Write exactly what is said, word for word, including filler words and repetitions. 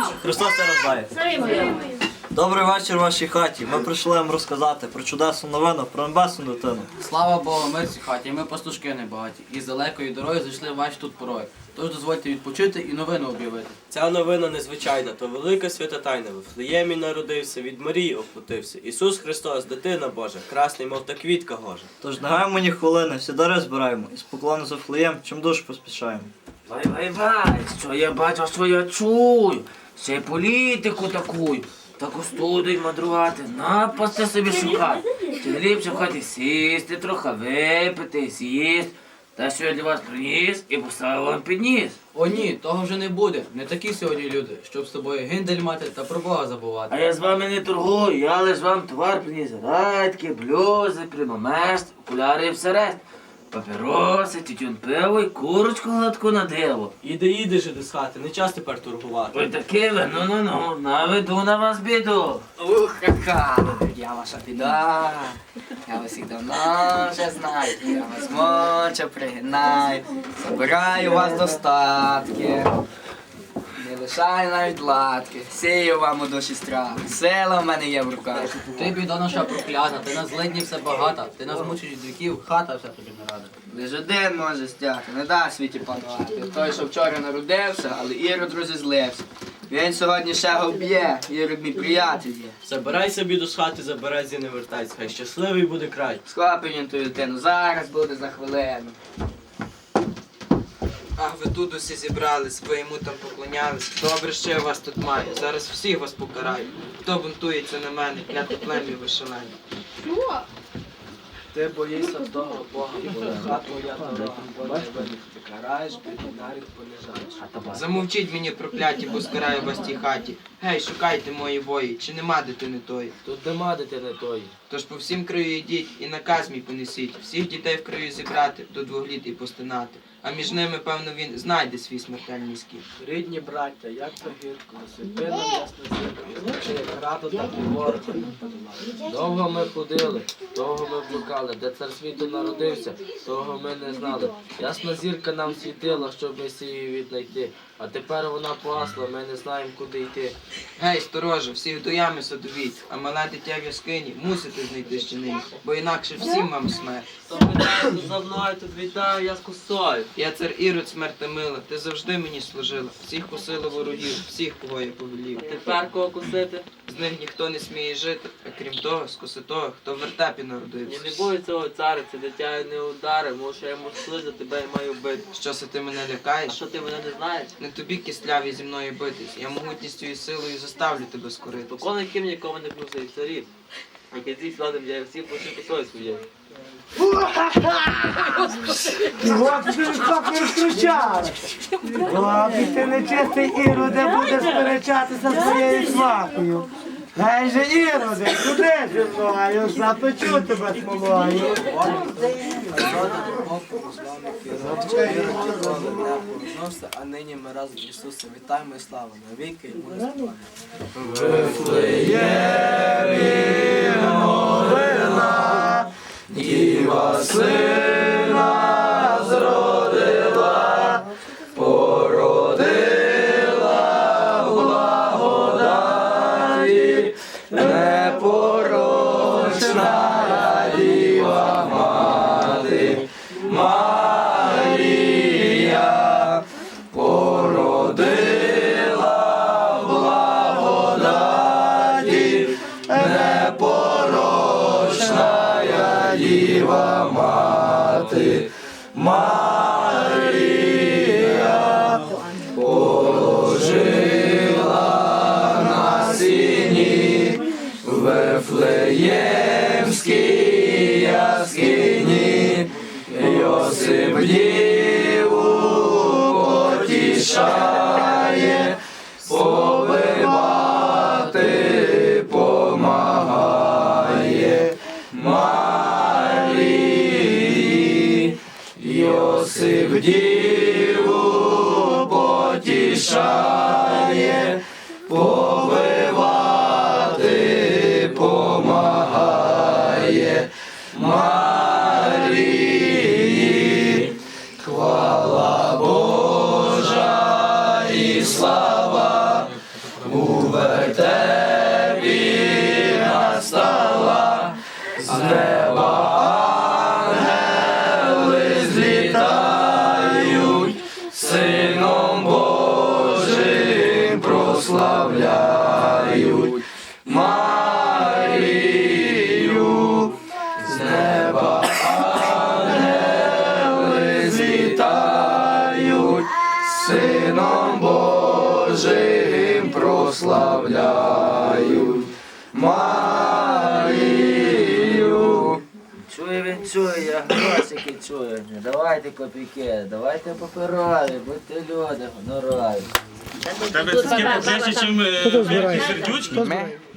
Христос рождає. Добрий вечір вашій хаті. Ми прийшли вам розказати про чудесну новину, про небесну дитину. Слава Богу, мир цій хаті, ми пастушки небагаті. І з далекої дороги зайшли в ваші тут порої. Тож дозвольте відпочити і новину об'явити. Ця новина незвичайна, то велика свята тайна. В Вифлеємі народився, від Марії оплотився. Ісус Христос, дитина Божа, красний, мов та квітка гожа. Тож не гаємо ні хвилини, всі дари збираємо, і з поклону за Вифлеєм, чим дуже поспішаємо. Вай, вай, вай, що я бачу, що я чую. Ще й політику таку. Таку студію мадрувати, напасти собі шукати. Чи не ліпше в хаті сісти, трохи випити, з'їсти. Та що я для вас приніс і поставив вам підніс. О ні, того вже не буде. Не такі сьогодні люди, щоб з тобою гиндель мати та про Бога забувати. А я з вами не торгую, я лиш вам товар приніс. Радьки, блюзи, примамест, окуляри і все решт. Папіроси, тютюн пиво і курочку гладку на диво. Іди, іди ж з хати, не час тепер торгувати. Ой таки ви, ну-ну-ну, наведу на вас біду. Ух, ха-ха, я ваша біда. Я вас їх давно вже знаю. Я вас моча пригинаю, забираю у вас достатки. Не лишаю навіть латки, сію вам у душі страх, сила в мене є в руках. Ти біда наша проклята, ти нас злидні все багата, ти нас мучиш від віків, хата вся тобі не рада. Лиш один може стяти, не да світі панувати. Той, що вчора народився, але Ірод розізлився. Він сьогодні ще го б'є, Ірод мій приятель є. Забирай собі до хати, забирай зі не вертайся, хай щасливий буде край. Схопив він ту дитину, зараз буде за хвилину. Ах, ви тут усі зібрались, ви йому там поклонялись. Добре, що я вас тут маю. Зараз всіх вас покараю. Хто бунтується на мене, кляте плем'я вишелені. Ти боїшся того Бога, хата твоя дорога, бо не видить. Ти караєш, бідний нарід понижаєш. Замовчіть мені, прокляті, бо скараю вас тій хаті. Гей, шукайте мої вої, чи нема дитини тої. Тут нема дитини тої. Тож по всім краю йдіть і наказ мій понесіть. Всіх дітей в краю зібрати, до двох літ і постинати. А між ними, певно, він знайде свій смертельний скіл. Рідні браття, як то гидко, світи нам ясна зірка, звучи як граду, так і ворога не подолали. Довго ми ходили, довго ми блукали, де цар світу народився, того ми не знали. Ясна зірка нам світила, щоб Месію віднайти, а тепер вона погасла, ми не знаємо, куди йти. Гей, стороже, всіх до ями садовіть, а мале дитя в яскині мусите знайти ще нині, бо інакше всім вам смерть. За мною тут вітаю, я з косою. Я цар Ірод смерти мила, ти завжди мені служила, всіх косила ворогів, всіх, кого я повелів. Тепер кого косити? З них ніхто не сміє жити, а крім того, скоси того, хто в вертепі народився. Я не бою цього царя, це дитя не удари, може я йому слиза, тебе і маю бити. Що се ти мене лякаєш? Що ти мене не знаєш? Не тобі кисляві зі мною битись, я могутністю і силою заставлю тебе скоритись. Покони ким нікому не плюсив царів. А кінці сладим я всі пошли косою своєю. От ти так не втручали. Ладно, ти нечистий Іроде будеш сперечатися з своєю свахою. Гей же Іроде, куди зі мною? Запечу тебе смолою. А нині ми разом з Ісусом вітаємо і слава навіки йому не співаємо. Діва сина зродила, породила в благодаті, непорочна діва мати, Марія, породила в благодаті, непорочна Діва мати, Марія, положила на сіні в Вифлеємській яскині, Йосип діву потішає, побивати помагає. Йосип діву потішає, повивати помагає. Марії, хвала Божа і слава у вертепі настала, з неба ангели злітають, Сином Божим прославляють Марію, з неба ангели злітають, Сином Божим прославляють Марію. Чує він, чує, я грошики чую. Не давайте копійки, давайте паперові, будьте люди, гонорові. Тебе це більше, ніж сердючки? Ми